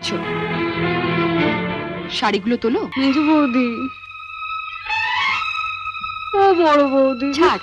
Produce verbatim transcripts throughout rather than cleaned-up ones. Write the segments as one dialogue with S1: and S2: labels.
S1: শাড়িগুলো তোলো।
S2: মেজো বৌদি, ও বড় বৌদি,
S1: ছাড়।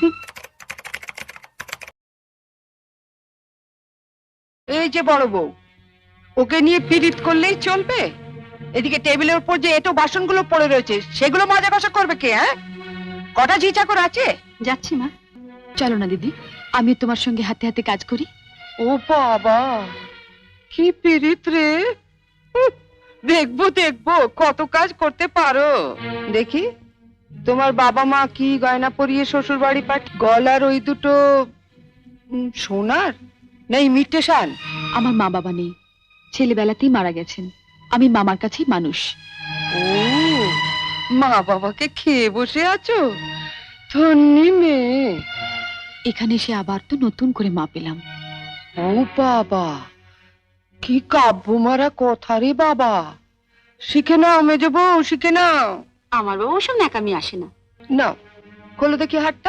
S3: এই যে বড় বউ, ওকে নিয়ে পীড়িত করলেই চলবে? এদিকে টেবিলের উপর যে এটো বাসনগুলো পড়ে রয়েছে সেগুলো মাজা কষা করবে কে? হ্যাঁ, কটা ঝি চাকর আছে?
S1: যাচ্ছি মা। চলো না দিদি, আমি তোমার সঙ্গে হাতে হাতে কাজ করি।
S3: ও বাবা, কি পীড়িত রে! হুঁ, দেখবো দেখবো কত কাজ করতে পারো। দেখি তোমার বাবা মা কি গয়না পরিয়ে শ্বশুর বাড়ি পাঠ? গলার ওই দুটো উম, সোনার না ইমিটেশন?
S1: আমার মা বাবা নেই, ছেলেবেলাতেই মারা গেছেন। আমি মামার কাছেই মানুষ।
S3: ও, মা বাবাকে খেয়ে বসে আছো? ধন্যি মেয়ে।
S1: এখানে এসে আবার তো নতুন করে মা পেলাম।
S3: ও বাবা, কি কাব্য মারা কথা রে বাবা! শিখে নাও মেজো বউ, শিখে নাও।
S2: আমার বাবা ওসব ন্যাকামি আসে না।
S3: নাও, খোলো দেখি হাতটা।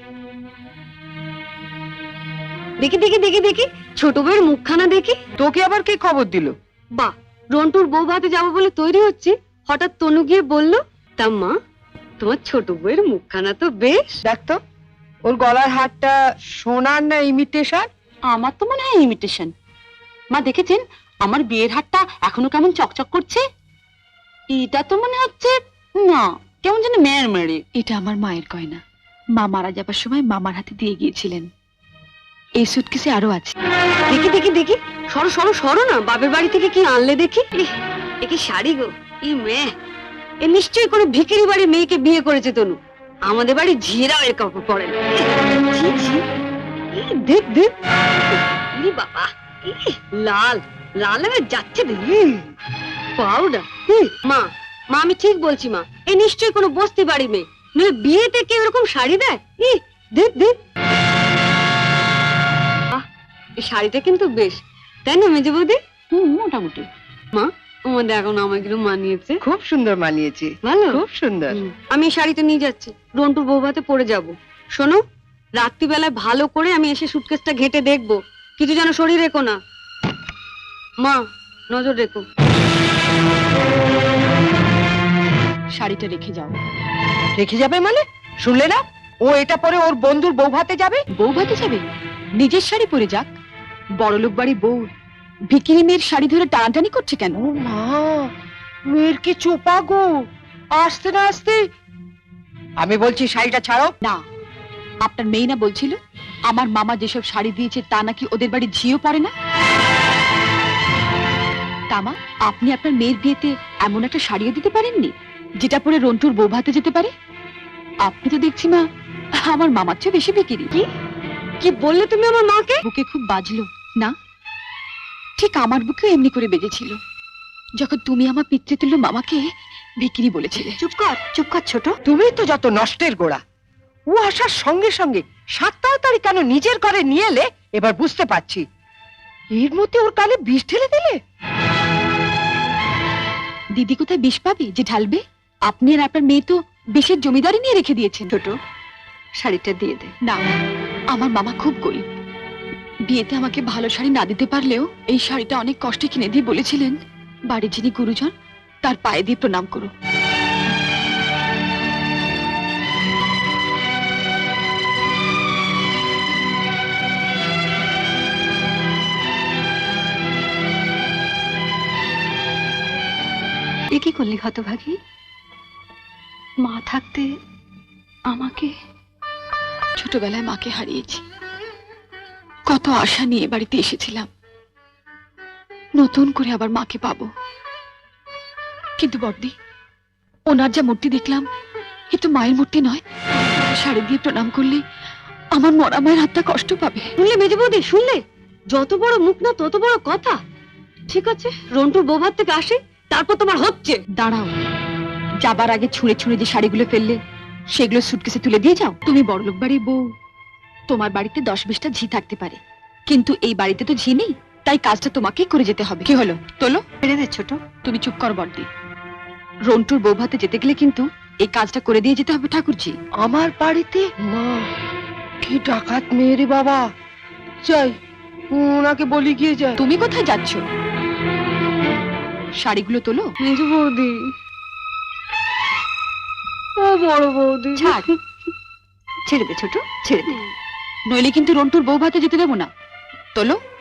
S2: দেখি দেখি দেখি দেখি ছোট বউয়ের মুখখানা দেখি।
S3: তোকে আবার কে খবর দিল?
S2: বাহ, রন্টুর বউ ভাতে যাবো বলে তৈরি হচ্ছে, হঠাৎ তনু গিয়ে বলল, তা মা তোমার ছোট বউয়ের মুখখানা তো বেশ।
S3: দেখ তো, ওর গলার হারটা সোনার না ইমিটেশন?
S2: আমার তো মনে হয় ইমিটেশন। মা দেখেছেন আমার বিয়ের হারটা এখনো কেমন চকচক করছে? এটা তো মনে হচ্ছে না, কেমন যেন মেয়ের মেরে।
S1: এটা আমার মায়ের গয়না। মা মারা যাবার সময় মামার হাতে দিয়ে গিয়েছিলেন। এই সুটকেসে আরো আছে।
S2: দেখি দেখি দেখি, সরো সরো সরো না, বাপের বাড়ি থেকে কি আনলে দেখি। ইহ, এ কি শাড়ি গো, ই মেয়ে, এ নিশ্চয়ই কোনো ভিখিরি বাড়ির মেয়েকে বিয়ে করেছে তনু। আমাদের বাড়ি ঝিরাও এর কাপড় পরে না। ছি, ছি, ই দেখ দেখ, ই বাবা, ই লাল লাল হয়ে যাচ্ছে দেখি। পাউডার। মা মা আমি ঠিক বলছি মা, এ নিশ্চয়ই কোনো বস্তি বাড়ি মেয়ে, নইলে বিয়েতে কেউ এরকম শাড়ি দেয়? ই দেখ দেখ, এই শাড়িটা কিন্তু বেশ, তাই না মেজে বৌদি? হুম, মোটামুটি। মা আমাদের এখন আমাকে একটু মানিয়েছে।
S3: খুব সুন্দর মানিয়েছে,
S2: ভালো,
S3: খুব সুন্দর।
S2: হুম, আমি এই শাড়িটা নিয়ে যাচ্ছি, রন্টুর বউ ভাতে পরে যাব। শোনো, রাত্রিবেলায় ভালো করে আমি এসে সুটকেসটা ঘেটে দেখবো, কিছু যেন শরীর রেখো না। মা নজর রেখো।
S1: শাড়িটা রেখে যাও।
S3: রেখে যাবে মানে? শুনলে না, ও এটা পরে ওর বন্ধুর বউ ভাতে যাবে।
S1: বউ ভাতে যাবে? নিজের শাড়ি পরে যাক। বড়লোক বাড়ি বউ ভিকিরি মেয়ের শাড়ি ধরে টানাটানি করছে কেন?
S3: ও মা, মেয়ের কি চোপা গো! আসতে না আসতে। আমি বলছি শাড়িটা ছাড়ো।
S1: না, আপনার মেয়ে না বলছিল আমার মামা যেসব শাড়ি দিয়েছে তা নাকি ওদের বাড়ি ঝিও পড়ে না? তামা, আপনি আপনার মেয়ের বিয়েতে এমন একটা শাড়িও দিতে পারেননি যেটা পরে রন্টুর বউ ভাতে যেতে পারে? আপনি তো দেখছি মা আমার মামার চেয়ে বেশি বিকিরি।
S2: কি কি বললে তুমি আমার মাকে?
S1: বুকে খুব বাজলো না? ঠিক আমার বুকেও এমনি করে বেজেছিল যখন তুমি আমার পিতৃতুল্য মামাকে বিক্রি বলেছিলে।
S2: চুপ কর চুপ কর ছোট।
S3: তুমি তো যত নষ্টের গোড়া। ও আসার সঙ্গে সঙ্গে সাত তাড়াতাড়ি কেন নিজের ঘরে নিয়ে এলে এবার বুঝতে পারছি। এর মধ্যে ওর কানে বিষ ঢেলে দিলে।
S1: দিদি কোথায় বিষ পাবে যে ঢালবে? আপনি আর আপনার মেয়ে তো বিষের জমিদারি নিয়ে রেখে দিয়েছেন।
S2: ছোট, শাড়িটা দিয়ে দে।
S1: না, আমার মামা খুব গরিব। বিয়েতে আমাকে ভালো শাড়ি না দিতে পারলেও এই শাড়িটা অনেক কষ্টে কিনে দিয়ে বলেছিলেন বাড়ির যিনি গুরুজন তার পায়ে দিয়ে প্রণাম করো।
S2: এ কি করলি হতভাগী? মা থাকতে আমাকে।
S1: ছোটবেলায় মাকে হারিয়েছি, কত আশা নিয়ে বাড়িতে এসেছিলাম নতুন করে আবার মাকে পাবো। কিন্তু বড়দি, ওনার যা মূর্তি দেখলাম এ তো মায়ের মূর্তি নয়। শাড়ি দিয়ে প্রণাম করলে আমার মরা মায়ের হাতটা কষ্ট পাবে।
S2: শুনলে মেজে বৌদি, শুনলে? যত বড় মুখ না তত বড় কথা। ঠিক আছে, রন্টুর বউ ভাত থেকে আসে, তারপর তোমার হচ্ছে।
S1: দাঁড়াও, যাবার আগে ছুঁড়ে ছুঁড়ে যে শাড়িগুলো ফেললে সেগুলো সুটকেসে তুলে দিয়ে যাও। তুমি বড়লোক বাড়ির বউ, তোমার বাড়িতে দশ বিশটা ঝি থাকতে পারে, কিন্তু এই বাড়িতে তো ঝি নেই, তাই কাজটা তোমাকেই করে যেতে হবে। কি হলো, তোলো।
S2: ফেলে দে ছোট।
S1: তুমি চুপ কর বড়দি। রন্টুর বউ ভাতে যেতে গেলে কিন্তু এই কাজটা করে দিয়ে যেতে হবে ঠাকুরজি।
S3: আমার বাড়িতে? মা, কি ডাকাত মেয়ে রে বাবা! যাই, ওনাকে বলি গিয়ে যায়।
S1: তুমি কোথায় যাচ্ছ? শাড়িগুলো তোলো।
S2: মেজু বৌদি, ও বড় বৌদি,
S1: ছাড়।
S2: ছেড়ে দে ছোট, ছেড়ে দে।
S1: নইলে কিন্তু রন্টুর বউ ভাতে যেতে দেবো না। তোলো।